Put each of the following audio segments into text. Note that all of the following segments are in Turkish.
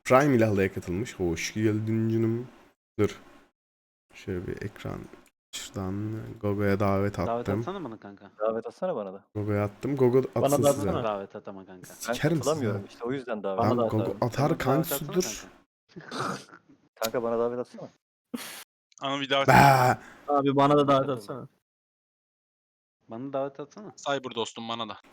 Prime ile halaya katılmış. Hoş geldin canım. Dur. Şöyle bir ekran. Şuradan Gogo'ya davet Davet attım. atsana bana kanka. Davet atsana bana da. Gogo'ya attım. Gogo Bana atsın da size. atsana. Davet at ama kanka. Ben Sikerim size. katılamıyorum işte o yüzden davet. Bana Tamam da Gogo atarım. atar Bana davet kanka atsana dur. kanka. Kanka bana davet atsana. Ama bir davet Bah! Abi bana da davet Katıldım. atsana. Bana davet atsana. Cyber dostum bana da.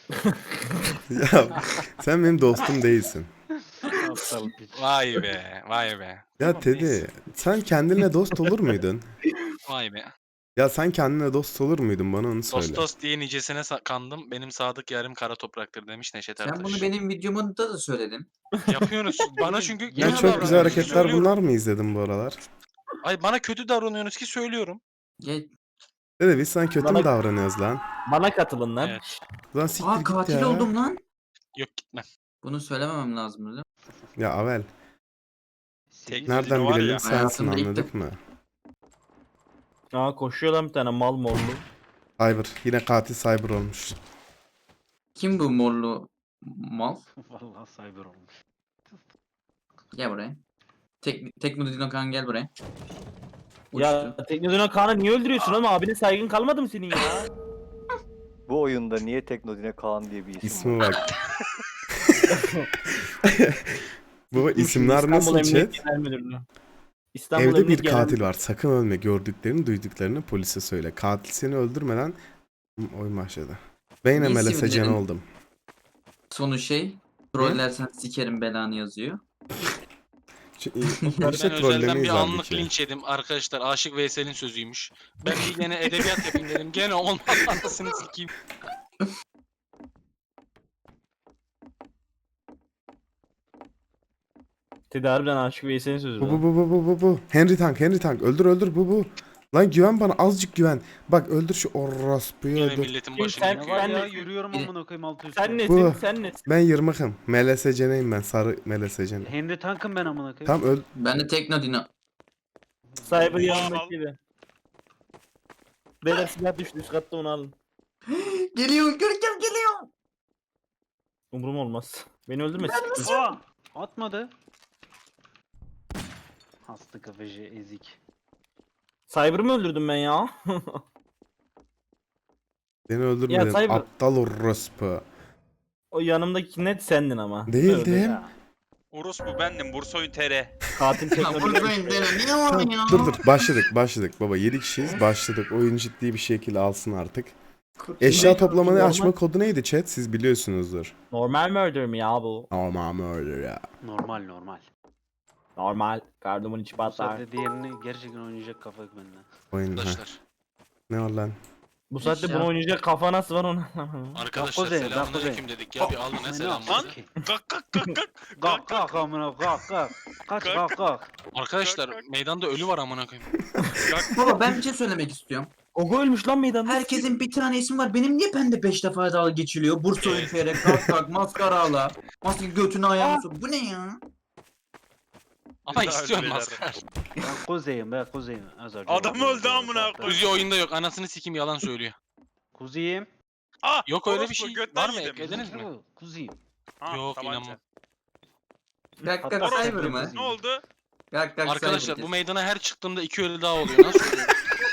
Ya sen benim dostum değilsin. Aptal piç. Vay be, vay be. Ya Tamam, Teddy neyse. sen kendinle dost olur muydun? Vay be. Ya sen kendinle dost olur muydun bana onu söyle. Dost dost diye nicesine kandım. Benim sadık yarim kara topraktır demiş Neşet Ertaş. Sen bunu benim videomda da söyledin. Yapıyorsunuz. Bana çünkü Ya kötü çok güzel davranıyorsunuz, hareketler söylüyorum. bunlar mı izledin bu aralar? Ay bana kötü davranıyorsunuz ki söylüyorum. Gel. Dede biz sana kötü mü Bana- davranıyoruz lan? Bana katılın lan. Evet. Lan siktir Aa git katil ya. oldum lan. Yok gitmem. Bunu söylememem lazım değil mi? Ya Avel. Sekiz- Nereden var bilelim ya, sensin hayatımda ilk anladık mı? Koşuyor lan bir tane mal morlu. Cyber. Yine katil Cyber olmuş. Kim bu morlu mal? Vallahi cyber olmuş. Gel buraya. Teknodino kan gel buraya. Ya Uçtu. Teknodino Kaan'ı niye öldürüyorsun oğlum? Abine saygın kalmadı mı senin ya? Bu oyunda niye Teknodine Kaan diye bir isim İsmi var? bak. Baba isimler İstanbul nasıl Emniyet chat? Genel Müdürlüğü. İstanbul Evde Emniyet bir Genel katil var. Sakın ölme. Gördüklerini, duyduklarını polise söyle. Katil seni öldürmeden oyun başladı. Ben yine Ne Melese Can isimlerin- oldum. Sonu şey. Trollersen sikerim belanı yazıyor. İşte Ben özelden trollemeyiz bir anlık halbuki. linç yedim arkadaşlar. Aşık Veysel'in sözüymüş. Ben bir gene edebiyat yapayım dedim. Gene olmaz anasını sikeyim. Tedi harbiden Aşık Veysel'in sözü Bu lan. bu. Henry Tank. Öldür bu. Lan güven bana azıcık güven. Bak öldür şu orospuyu Yine öldür. milletin başını sen- Ne yıkıyor. var Ben ya de- yürüyorum amına koyayım altı üstü. Sen Bu. nesin? Sen nesin? Ben yırmıkım. Melese Can'ıyım ben. Sarı Melese Can. Henry Tank'ım ben amına koyayım. Tam Ben de Teknodino. Cyber yanındaki gibi. Beyler silah düştü üst katta onu alın. Geliyor Görkem geliyor. Umurum olmaz. Beni öldürmesin. Aa! Atmadı. Hasta kafacı ezik. Cyber'ı mı öldürdüm ben ya? beni öldürmedin. Cyber. Aptal orospu. O yanımdaki net sendin ama. Değildim. Öldü ya. Orospu bendim. Bursoyun TR. Katil Ya Teknodino. buradayım dene. Niye var Tamam, ya? dur başladık baba 7 kişiyiz başladık oyun ciddi bir şekilde alsın artık. Eşya toplamanı normal- açma kodu neydi chat siz biliyorsunuzdur. Normal murder mi ya bu? Aman öyle ya. Normal. Normal. Kardomun içi Bu patlar. saatte diğerini gerçekten oynayacak kafa yok bende. Oyun ha. Arkadaşlar. Ne var lan? Bu saatte Eşya. bunu oynayacak kafa nasıl var onu? Arkadaşlar Kuzey, selamünaleyküm dedik ya. Bir alın ne selam Lan. var. Kalk kalk kalk kalk. Kalk kalk amına kalk. Kaç kalk. Arkadaşlar meydanda ölü var amına koyayım. Baba ben bir şey söylemek istiyorum. Gogo ölmüş lan meydanda. Herkesin bir tane ismi var. Benim niye bende 5 defa dalga geçiliyor? Bursa Evet. Ülfere, kalk maskara ağla. Maske götünü ayağını sok. Bu ne ya? Ama Daha istiyorum ölüler. maskar. Ben kuzeyim. Az önce Adam oldu, öldü amına kalktı. Uzi oyunda yok. Anasını sikim yalan söylüyor. Kuzeyim. Ah, Yok öyle bir orospu, şey. götten Var mı? yedim. Eklediniz mi? Kuzeyim. Ha, Yok, tabanca. inanmam. Kalk Hatta kalk sen cyber de mı? kızım. Ne oldu? Kalk kalk Arkadaşlar cyber bu meydana her çıktığımda 2 ölü daha oluyor. Nasıl oluyor?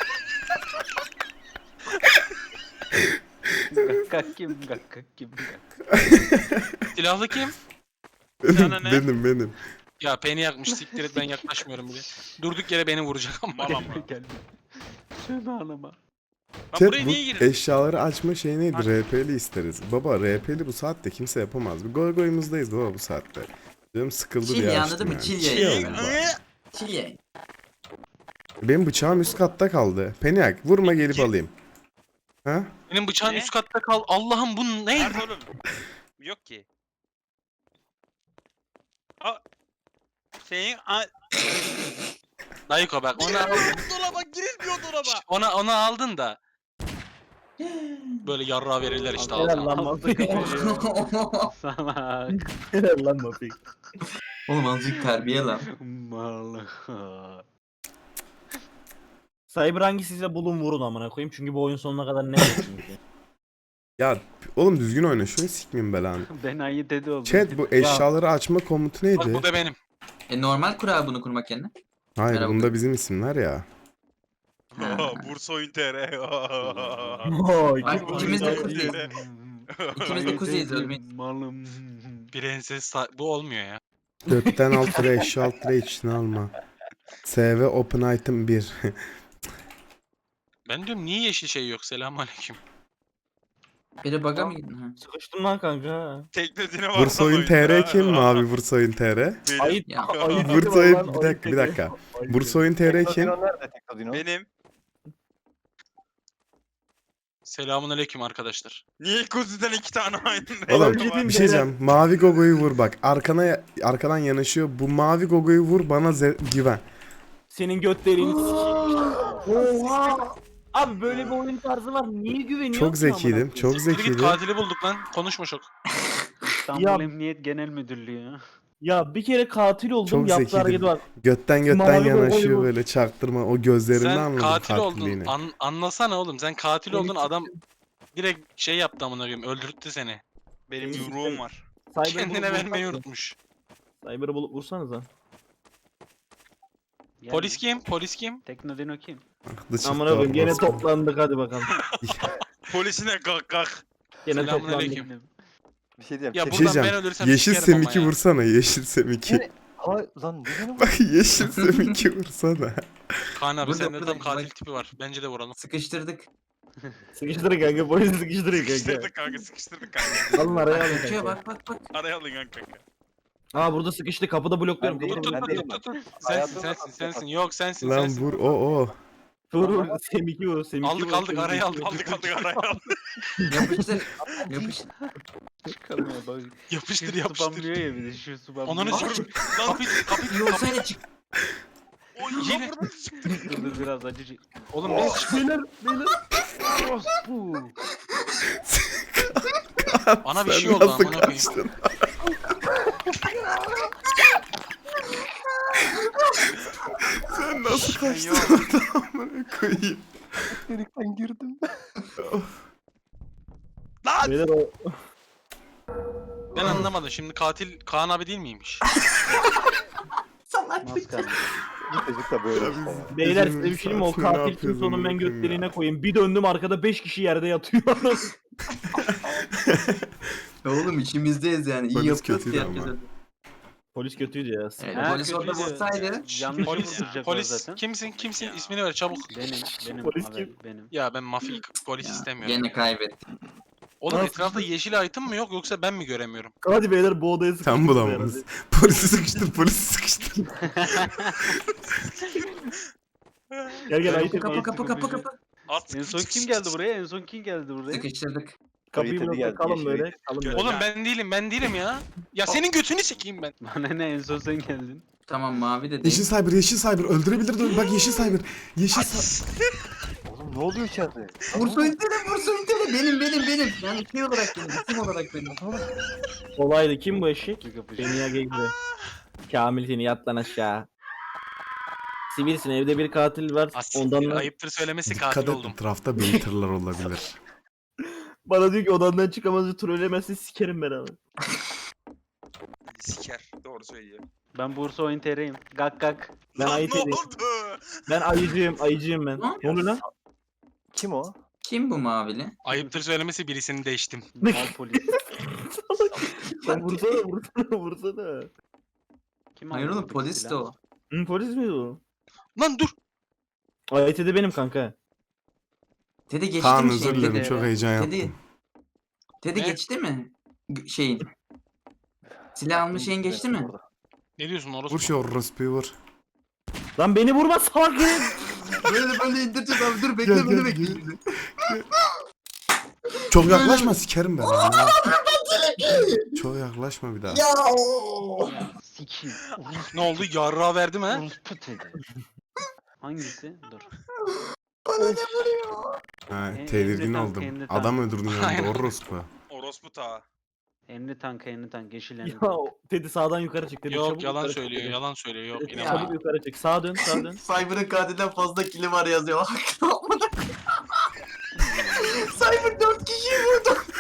Gak kim? Silahlı kim? Sana ne? benim. Ya beni yakmış siktir et ben yaklaşmıyorum bile. Durduk yere beni vuracak ama. Malam mı? Gelme. Söyle anama. Ben Chat buraya bu niye girdim? eşyaları açma şey neydi? Ha. RP'li isteriz. Baba RP'li bu saatte kimse yapamaz. Bir goygoyumuzdayız baba bu saatte. Canım sıkıldı Chill diye ya, açtım anladın mı? yani. Chill Chill ya. oldu baba. Chill ya. Benim bıçağım üst katta kaldı. Peniak vurma gelip alayım. Ha? Benim bıçağın Ne? üst katta kal. Allah'ım bu ne? Nerede oğlum? Yok ki. Aa. Senin Dayıko bak onu aldın. dolaba girilmiyor dolaba. Onu aldın da. Böyle yarrağı verirler işte Helal ağzına. lan Mafik. Salak. Helal lan Mafik. Oğlum azıcık terbiye lan. Mal. Cyber hangisiyse bulun vurun amına koyayım çünkü bu oyun sonuna kadar ne çünkü. Ya oğlum düzgün oyna şunu sikmeyeyim belanı. Ben ayı dedi oldum. Chat bu eşyaları açma komutu Bak neydi? bu da benim. Normal kur abi bunu kurmak yerine. Hayır Merhaba. bunda bizim isimler ya. Bursa Oyun TR. Oy, Ay, kim ikimiz de oyun kuzeyiz. TR? İkimiz de kuzeyiz ölmeyiz. Malım. Prenses bu olmuyor ya. Götten 6 lira eşya 6 lira içine alma. SV Open Item 1. Ben diyorum niye yeşil şey yok? Selamünaleyküm. Biri baga mı girdin? Ha. Sıkıştım lan kanka. Teknodine var. Bursa Oyun TR kim mi abi Bursa Oyun TR? Ayı Ya. ayı Bursa var Oyun lan, bir dakika bir ayı dakika. ayı Bursa Oyun TR kim? Teknodino nerede Teknodino? Benim. Selamünaleyküm arkadaşlar. Niye kuzudan 2 tane aynı Oğlum renk var? bir şey diyeceğim. Mavi Gogo'yu vur bak. Arkadan yanaşıyor. Bu mavi Gogo'yu vur bana güven. Senin göt deliğini sikeyim. Oha! Abi böyle bir oyun tarzı var. Niye güveniyorsun? Çok zekiydim. Çok Siktir git zekiydim. katili bulduk lan. Konuşma çok. İstanbul Ya- Emniyet Genel Müdürlüğü. Ya bir kere katil oldum. Çok Yaptığı zekiydim. hareketi var. Götten Mavi yanaşıyor Gogo'yu vur. böyle çaktırma. O gözlerinden Sen anladım katil oldun. katilliğini. Anlasana oğlum. Sen katil Beni oldun. Adam direkt şey yaptı amına koyayım. Öldürttü seni. Benim yumruğum var. Cyber'ı Kendine bulup vermeyi vursanıza. unutmuş. Cyber'ı bulup vursanıza. Yani Polis kim? Polis kim? Teknodino kim? Aklı çıktı Amına koyayım gene orospu. toplandık hadi bakalım. Polisine kalk. Gene toplandık. Selamünaleyküm. Bir şey diyeceğim. Ya Bir buradan şey ben diyeceğim. ölürsem Yeşil sikerim ama Semik'i ya. vursana. Yeşil Semik'i. Ama lan ne benim? Bak Yeşil Semik'i vursana. Kaan abi Burada, sende burada, tam katil bak. tipi var. Bence de vuralım. Sıkıştırdık. Sıkıştırın kanka polisi sıkıştırın kanka. Sıkıştırdık kanka sıkıştırdık kanka. Alın araya alın Bakıyor kanka. bak. Araya alın kanka. Aa burada sıkıştı kapıda blokluyorum. Ben Tut değilim, tut ben tut değilim. tut tut. Hayatım Sensin. Yok sensin Lan sensin. vur o. Vur Semik'i vur Semik'i Aldık vur. aldık araya aldık. Aldık araya aldık. Yapıştır. Yapıştır. Çıkamıyor bak. Yapıştır Şu yapıştır. spamlıyor ya bir de şu spamlıyor. Onları sik. Kapıyı İyi olsaydı çık. Oy Yine. yine. Dur dur biraz acıcı. Oğlum ne çık? Beyler beyler. Orospu. Bana bir Sen şey oldu nasıl amına koyayım. kaçtın? Sen nasıl kaçtın oradan amına koyayım? Delikten girdim. Beyler o Ben anlamadım. Şimdi katil Kaan abi değil miymiş? Maskar. Bu çocuk da böyle işte ya. beyler Gecenin size bir şey diyeyim mi? O saatini ne katil yapıyorsun kimse onun ben amına koyayım göt deliğine ya? koyayım. Bir döndüm arkada 5 kişi yerde yatıyor. Oğlum içimizdeyiz yani. İyi Polis yapıyoruz kötüydü ki ama. herkese. Polis kötüydü ya. Evet, Ha, polis orada kötüydü. vursaydı. Yanlış Polis, vurduracaklar polis zaten. kimsin? Ya. İsmini ver çabuk. Benim Polis abi, kim? benim. Ya ben mafya polis Ya, istemiyorum. Gene kaybettik. Oğlum Nasıl? etrafta yeşil item mı yok yoksa ben mi göremiyorum? Hadi beyler bu odaya sıkıştırın. Sen bulamadınız. Polisi sıkıştır, polisi sıkıştır. Gel gel ayıp Kapı. At. En son kim geldi buraya? En son kim geldi buraya? Sıkıştırdık. Kapıyı Kayıt blokla geldi, kalın yeşil böyle. yeşil. Kalın böyle. Oğlum ben değilim ya. Ya senin götünü çekeyim ben. Bana ne en son sen geldin. Tamam mavi de Yeşil değil. Cyber, Yeşil Cyber. Öldürebilir de bak Yeşil Cyber. Yeşil Cyber. Oğlum ne oluyor içeride? Bursa intele. Benim. Yani şey olarak benim. İsim olarak benim. Kolaydı. Kim bu eşek? Bir kapışma. Beni ya gibi. Kamil seni yat lan aşağı. Sivilsin evde bir katil var. Asiktir, Ondan ayıptır söylemesi Dikkat katil et oldum. etrafta baiter'lar olabilir. bana diyor ki odandan çıkamazsa trollemezse sikerim ben abi. Siker. Doğru söylüyor. Ben Bursa Oyun TR'yim. Gak gak. Ben Lan ayıp ne edeyim. oldu? Ben ayıcıyım ben. Ne? Ne oluyor lan? Kim o? Kim bu mavili? Ayıptır söylemesi birisini değiştim. Mal polis. Sen vursana. Kim Hayır aldı oğlum bu polis de silahı? o. Hı, polis mi o? Lan dur. AYT'de benim kanka. Teddy geçti Kaan mi özür şeyin? dilerim Teddy. çok heyecan Teddy. yaptım. Teddy Ne? geçti mi? Şeyin. Silah almış şeyin geçti mi? Ne diyorsun orası? Vur şu orospuyu vur. Lan beni vurma salak herif. Böyle indireceğiz abi dur Gel, gel, gel. Çok yaklaşma sikerim ben. ya. Çok yaklaşma bir daha. Sikiyim. Ne oldu? Yarrağı verdim ha? Orospu dedi. Hangisi? Dur. Ha, Emre tedirgin tank, oldum. Emre tank. Adam öldürdün Aynen. yanında orospu. Orospu ta. Enli tank, yeşil enli Ya tank. Teddy sağdan yukarı çık. Teddy, Yok çabuk yalan yukarı çık söylüyor, Teddy. yalan söylüyor. Yok Teddy, inanmam. çabuk yukarı çık. Sağa dön. Cyber'ın katilden fazla kili var yazıyor. Cyber 4 kişiyi vurdu.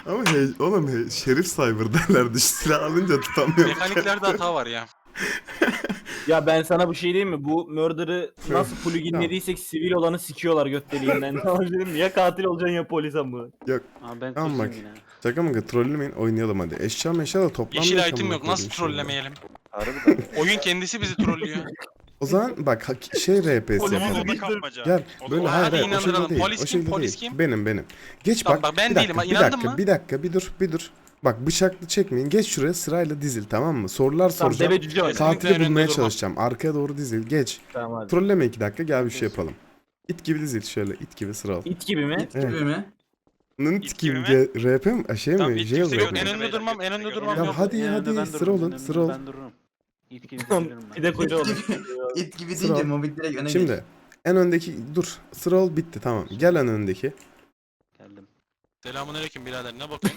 Ama oğlum Şerif Cyber derlerdi. Şu silah alınca tutamıyorum. Mekaniklerde hata var ya. Ya ben sana bir şey diyeyim mi? Bu murder'ı nasıl pluginlediysek sivil olanı sikiyorlar göt deliğinden. Ya katil olacaksın ya polis ama. Aa ben Tamam kusayım bak. yine. Şaka mı? Trollemeyin, oynayalım hadi. Eşya meşya da toplam. Yeşil item yok. Nasıl trollemeyelim? Harbiden. Oyun kendisi bizi trollüyor. O zaman bak şey RP'si O zaman yapalım. oda kapmaca. Gel O böyle zaman- hayır Hadi hayır o şekilde inandıralım. değil. Polis O kim, şekilde polis değil. kim? Benim. Geç Tamam, bak. bak ben bir değilim. dakika, bir İnandın dakika, mı? bir dur. Bak bıçaklı çekmeyin. Geç şuraya sırayla dizil tamam mı? Sorular Tamam soracağım. deve cüce oyna. Saat- Katili önünde bulmaya durma. çalışacağım. Arkaya doğru dizil. Geç. Tamam hadi. Trolleme 2 dakika gel bir şey yapalım. İt gibi dizil şöyle it gibi sıra al. İt gibi mi? İt gibi mi? Nınt İt gibi gibi mi? RP mi? Şey Tamam, mi? it Jail kimse RP yok, mi? En Beyler, önde durmam, en önde durmam Ya yok. hadi En önde hadi ben sıra dururum, olun en önde sıra ol. Ben dururum. İt gibi dizilirim ben. Bir de koydu oğlum. İt gibi Sıra deyince al. Mobik direkt öne Şimdi en öndeki dur sıra ol bitti tamam. Gel en öndeki. Geldim. Selamünaleyküm birader. Ne bakıyorsun?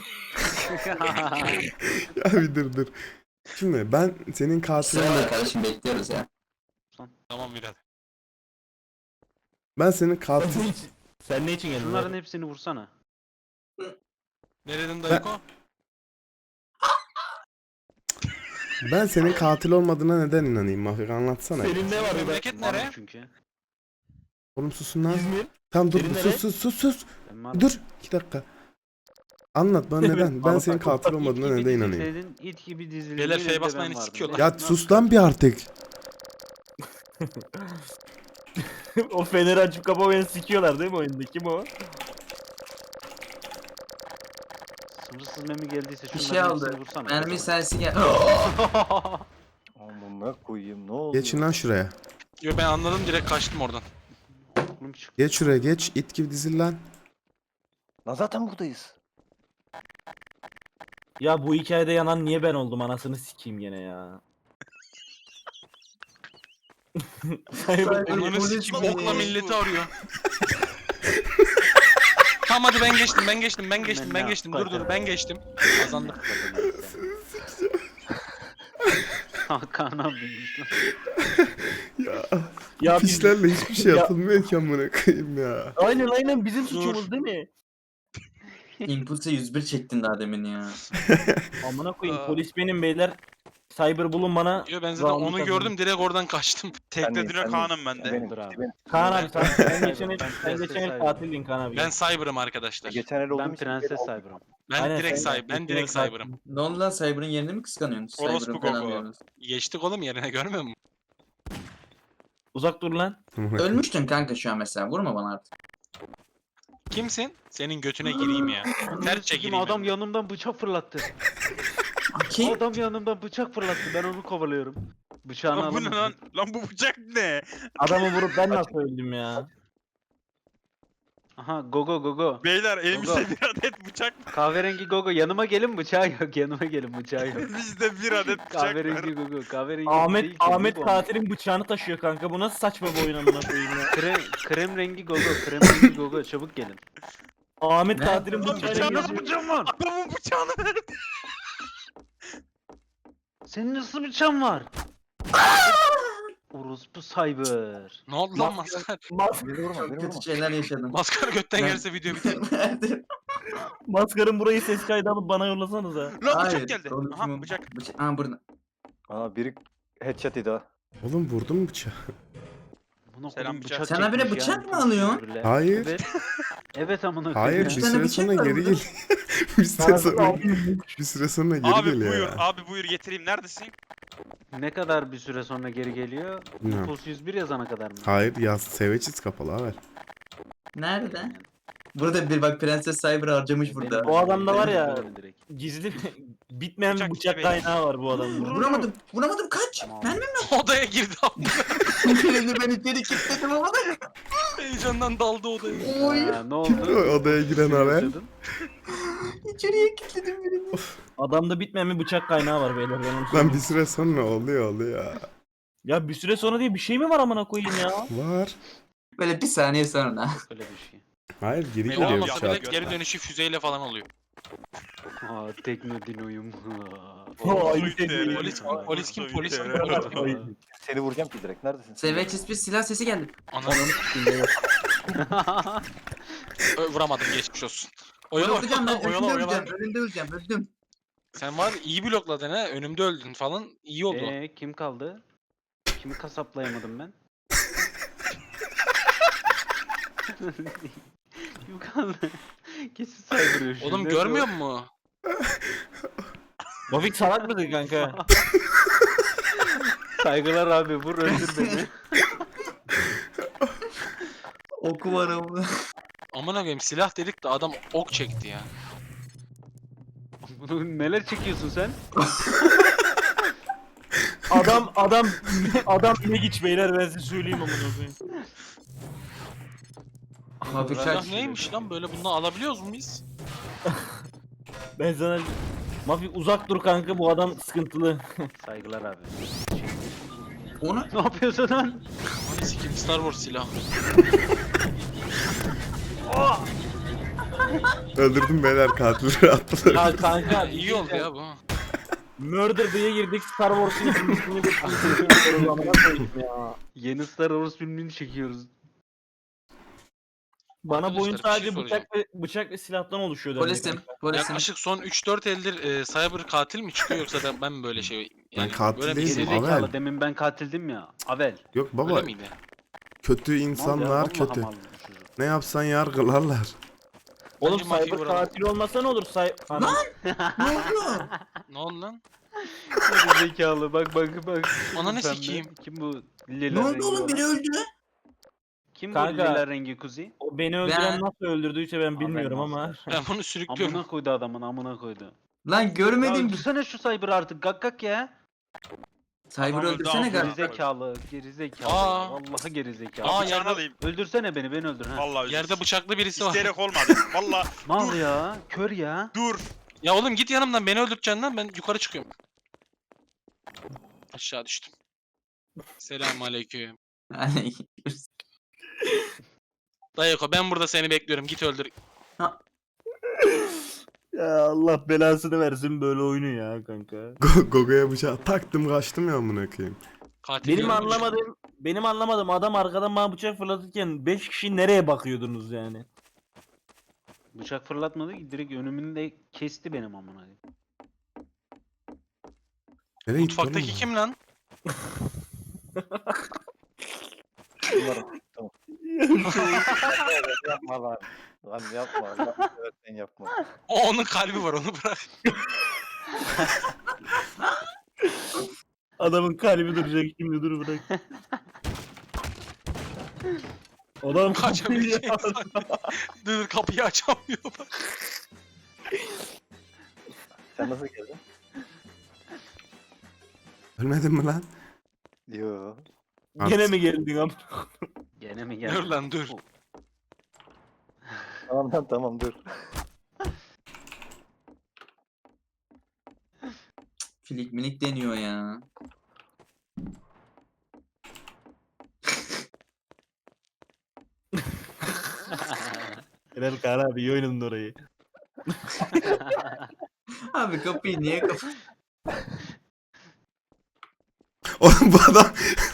Ya bir dur. Şimdi ben senin katilin Sıra kardeşim bekliyoruz ya. Tamam birader. ben senin katil Sen ne için geldin? Şunların hepsini vursana. Ne dedin Dayıko? ben senin katil olmadığına neden inanayım Mafik anlatsana. Senin ne var be? Memleket Varım nere? çünkü. Oğlum susun lan. İzmir. Tamam dur Senin nere? sus. Ben varım. Dur 2 dakika. Anlat bana neden? Ben Anlat, senin anlat. katil İt olmadığına gibi neden inanayım. dizilseydin, it gibi dizildiğin Beyler yerinde F'ye ben basmayın, vardım. sikiyorlar. Ya sus lan bir artık. O feneri açıp kapamayanı sikiyorlar değil mi oyunda? Kim o? Sınırsız memi geldiyse Bir şunların şey hepsini aldı. vursana. Mermi sensi gel. Amına koyayım ne oldu? Geçin lan şuraya. Yo ben anladım direkt kaçtım oradan. Oğlum çık. Geç şuraya geç. İt gibi dizil lan. Lan zaten buradayız. Ya bu hikayede yanan niye ben oldum anasını sikeyim gene ya. Onların polis sikim mi? okla milleti arıyor. Tamam hadi ben geçtim. Dur ben geçtim. Kazandım. Hakan abiymiş lan. Ya biz- Pişlerle hiçbir şey Ya- yapılmıyor ki amına koyayım ya. Aynen bizim suçumuz değil mi? Impulse 101 çektin daha demin ya. Amına koyayım Aa. polis benim beyler. Cyber bulun bana. Yo ben zaten Round'u onu kazandım. gördüm direkt oradan kaçtım. Teknedine Kaan'ım ben de. Benim, Bravo. benim. Kaan abi sen geçen el, Ben sen Prenses geçen el Cyber. katildin Kaan abi. Ben Cyber'ım arkadaşlar. Geçen el olduğum Ben için Prenses benim- Cyber'ım. Ben Aynen, direkt sen- Cyber. Ben geçen direkt el Cyber'ım. Ne oldu lan Cyber'ın yerini mi kıskanıyorsun? Orospu Cyber'ın falan Gogo. diyorsunuz. Geçtik oğlum yerine görmüyor musun? Uzak dur lan. Amına koyayım. Ölmüştün kanka şu an mesela. Vurma bana artık. Kimsin? Senin götüne gireyim ya. Ter Sikim çekileyim. adam ben. yanımdan bıçak fırlattı. Kim? Adam yanımdan bıçak fırlattı. Ben onu kovalıyorum. Bıçağını Lan bu ne alamadım. lan? Lan bu bıçak ne? Adamı vurup ben nasıl öldüm ya? Aha gogo. Beyler elimizde Gogo. bir adet bıçak. Kahverengi gogo. Yanıma gelin bıçağı yok. Yanıma gelin bıçağı yok. Bizde bir adet bıçak Kahverengi var. gogo. Kahverengi Ahmet değil ki, Ahmet bu. katilin bıçağını taşıyor kanka. Bu nasıl saçma bir oyun amına koyayım ya? Krem rengi gogo. Krem rengi gogo. Çabuk gelin. Ahmet Ne? katilin Lan bıçağını bıçağını Nasıl bıçağın var? Adamın bıçağını verdi. Senin nasıl bıçağın var? Orospu Cyber. Ne oldu lan maskar? Beni vurma, Çok beni kötü vurma. şeyler yaşadım. Maskar götten Ben- gelse video biter. Maskarın burayı ses kaydı alıp bana yollasanıza. Lan Hayır, bıçak geldi. doğru Aha kim o? bıçak. Aa burada. Aa biri headshot idi ha. Oğlum vurdun mu bıçağı? Buna Selam koyayım, bıçak. Sen habire çekmiş bıçak yani. mı alıyorsun? Öyle. Hayır. Evet. Evet amına Hayır koyayım. bir Üç tane süre bıçak sonra var geri burada. gel. bir süre sonra bir süre sonra geri Abi geliyor buyur, ya. abi buyur getireyim. Neredesin? Ne kadar bir süre sonra geri geliyor? Bilmiyorum. Impulse 101 yazana kadar mı? Hayır yaz Savages kapalı haber. Nerede? Burada bir bak Prenses Cyber harcamış burada. O adamda var ya- Benim direkt. Gizli bitmeyen bir Bıçak bıçak gibi. kaynağı var bu adamın. Vuramadım kaç. Tamam. Ben mi? Odaya girdi abi. Birini ben içeri kilitledim ama da. Heyecandan daldı odaya. Oy. Ha, ne Kim o oldu? odaya giren haber? Yaşadın. İçeriye kilitledim birini. Adamda bitmeyen bir bıçak kaynağı var beyler ben onu Lan söyleyeyim. bir süre sonra oluyor. Ya bir süre sonra diye bir şey mi var amına koyayım ya? Var. Böyle bir saniye sonra. Öyle bir şey. Hayır geri Ne geliyor olmasa bile bıçak. geri dönüşü füzeyle falan oluyor. Aa Teknodino'yum. Aynı tekniği. Polis kim? Seni vuracağım ki direkt. Neredesin? Savages bir silah sesi geldi. Ananı vuramadım geçmiş olsun. Bloklayacağım ben. Oyala Önünde oyala. öleceğim. Önünde öleceğim. Öldüm. Sen var ya, iyi blokladın ha. Önümde öldün falan. İyi oldu. Kim kaldı? Kimi kasaplayamadım ben? Kim kaldı? Kesin saydırıyor şimdi. Oğlum görmüyor musun? Mafik salak mısın kanka? Saygılar abi vur öldür beni. Oku var ama. Amına koyayım silah dedik de adam ok çekti ya. Bunu neler çekiyorsun sen? Adam ne geç beyler ben size söyleyeyim amına koyayım. Abi Silah neymiş lan böyle bunu alabiliyoruz mu biz? Ben sana Mafik uzak dur kanka bu adam sıkıntılı. Saygılar abi. Onu Ne yapıyorsun lan? Hani sikim Star Wars silahı. Öldürdüm beyler katilleri attılar. Ya kanka İyi oldu ya bu. Murder diye girdik Star Wars'un ikincisini de amına koyayım ya. Yeni Star Wars filmini çekiyoruz. Bana bu oyun Arkadaşlar, bir şey sadece bıçak ve silahtan oluşuyor. polisim. Polisim. Yaklaşık son 3-4 eldir Cyber katil mi çıkıyor yoksa da ben mi böyle şey Ben katil böyle bir değilim, seri- Avel. Gerizekalı demin ben katildim ya. Avel. Yok baba Öyle miydi? kötü Mal ya, insanlar vallahi kötü. mal bu çocuk. Ne yapsan yargılarlar. Oğlum Bence mafya Cyber vuralım. katil olmasa ne olur? Anam. Ne oldu? Ne oldu lan? Gerizekalı bak. Ananı Pembe. sikeyim. Kim bu lila Ne rengi oldu oğlum? olan? Biri öldü. Kim bu Kanka. lila rengi kuzi? O beni öldüren nasıl öldürdüyse ben bilmiyorum Aferin ama. olsun. Ben bunu sürüklüyorum. Amına koydu adamın amına koydu. Lan Ya görmedim. öldürsene şu Cyber artık gak ya. Cyber Adam öldü, öldürsene amına galiba. Gerizekalı. Aa. Vallahi gerizekalı. Aa, Bıçağını yerde- alayım. Öldürsene beni öldür ha. Vallahi Yerde bıçaklı birisi var. İsteyerek olmadı. Valla Mal ya. Kör ya. dur. Ya oğlum git yanımdan beni öldüreceksin lan ben yukarı çıkıyorum. Aşağı düştüm. Selamünaleyküm. Dayako ben burada seni bekliyorum git öldür. Ya Allah belasını versin böyle oyunu ya kanka. Gogo'ya bıçağı taktım kaçtım ya amına koyayım. Katil Benim görmüş. anlamadığım adam arkadan bana bıçak fırlatırken 5 kişi nereye bakıyordunuz yani? Bıçak fırlatmadı ki direkt önümünde kesti benim amına koyayım. Nereye gitti Mutfaktaki oğlum? kim lan? Umarım. Tamam. Yapma lan. Lan yapma. Lan sen yapma. O onun kalbi var onu bırak. Adamın kalbi duracak şimdi dur bırak. Adam Kaçabilecek sanki. Dur kapıyı açamıyor bak. Sen nasıl geldin? Ölmedin mi lan? Yo. Gene mi geldin abi? Gene mi Dur geldi? lan dur. Tamam lan tamam dur. Filik minik deniyor ya. Helal Kaan abi iyi oynadın orayı. Abi kapıyı niye kapat? Oğlum bu adam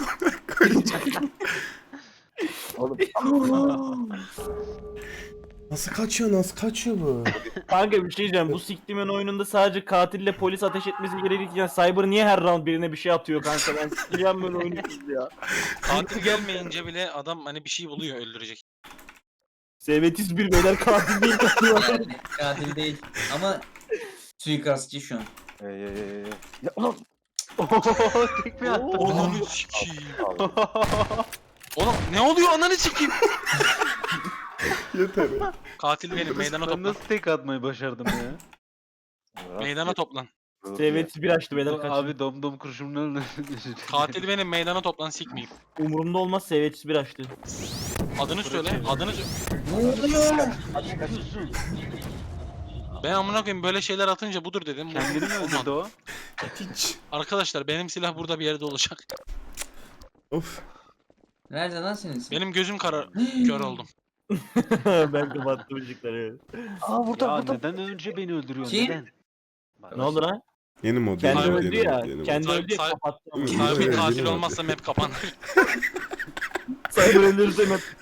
Oğlum nasıl kaçıyor bu? Kanka bir şey diyeceğim bu siktimin oyununda sadece katille polis ateş etmesi gerekirken Cyber niye her round birine bir şey atıyor kanka ben sikeceğim böyle oyunu ya. Katil gelmeyince bile adam hani bir şey buluyor öldürecek. Sevetiz bir beyler katil değil. Yani katil değil. Ama suikastçı şu an. Ya ulan. Tekme attı. Ananı sikeyim. Oğlum ne oluyor ananı sikeyim. Yeter. Katil benim meydana Ben toplan. nasıl tek atmayı başardım ya? Meydana toplan. Sevetiz bir açtı beyler kaç. Abi dom kurşununu öldürdü. Katil benim meydana toplan sikmeyeyim. Umurumda olmaz Sevetiz bir açtı. Adını söyle. Adını söyle. Ne oluyor? Ben amına koyayım böyle şeyler atınca budur dedim. Kendini mi öldürdü o? Hiç. Arkadaşlar benim silah burada bir yerde olacak. Of. Nerede lan senin ismin? Benim gözüm kör oldum. Ben kapattım ışıkları. Aa burada Ya burada. neden önce beni öldürüyorsun? Kim? Neden? Bak, Ne oldu lan? Yeni mod. Kendi yeni mod, öldü yeni ya. mod, yeni mod. Kendi öldü ya Say- kapattım. Say- Sahibi Yeni katil mod. olmazsa map kapanır. Cyber öldürürse